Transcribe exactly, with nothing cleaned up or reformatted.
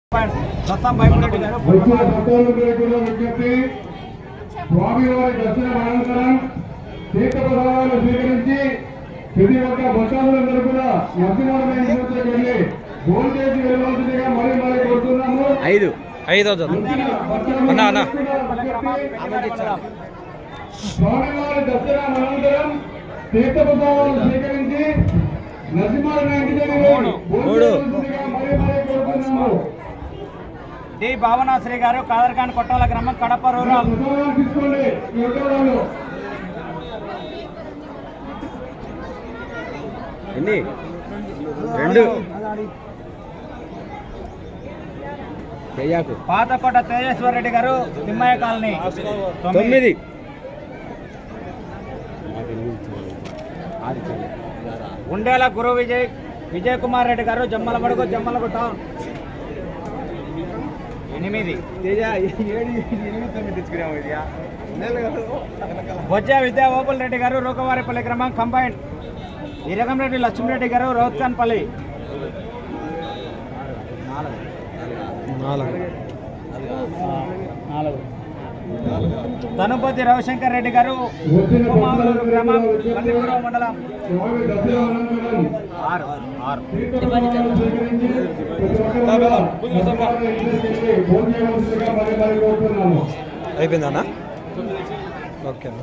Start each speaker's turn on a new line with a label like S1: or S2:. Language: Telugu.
S1: స్వామివారి దర్శనం అనంతరం తీర్థప్రసాదాలు స్వీకరించి ప్రతి ఒక్క భక్తులందరూ కూడా నరసింహారాయణ వెళ్ళి భోజనం చేసి వెళ్ళవలసిందిగా మరీ మరీ కోరుతున్నాము.
S2: ఐదు ఐదు
S1: స్వామివారి దర్శనం అనంతరం తీర్థప్రసాదాలు స్వీకరించి నరసింహారాయణ ఇంటి దగ్గర భోజనం మరీ మరీ కోరుతున్నాము.
S3: డి భావనాశ్రీ గారు కాదర్ఖాన్ కొట్టాల గ్రామం కడప రూరల్.
S2: ఎన్ని రెండు
S3: పాతకోట తేజేశ్వర రెడ్డి గారు తిమ్మయ్య కాలనీ
S2: తొమ్మిది
S3: ఉండేల గురు విజయ్ విజయ్ కుమార్ రెడ్డి గారు జమ్మలమడుగు జమ్మలగుట్ట ఎనిమిది బొజ్జ విద్యా ఓపుల్ రెడ్డి గారు రూకవారిపల్లి గ్రామం కంబైన్ ఇరగంరెడ్డి లక్ష్మీరెడ్డి గారు రౌత్కాన్పల్లి తనుపతి రవిశంకర్ రెడ్డి గారు గ్రామం మండలం ఆరు ఆరు
S2: అయిపోయిందన్నా ఓకే.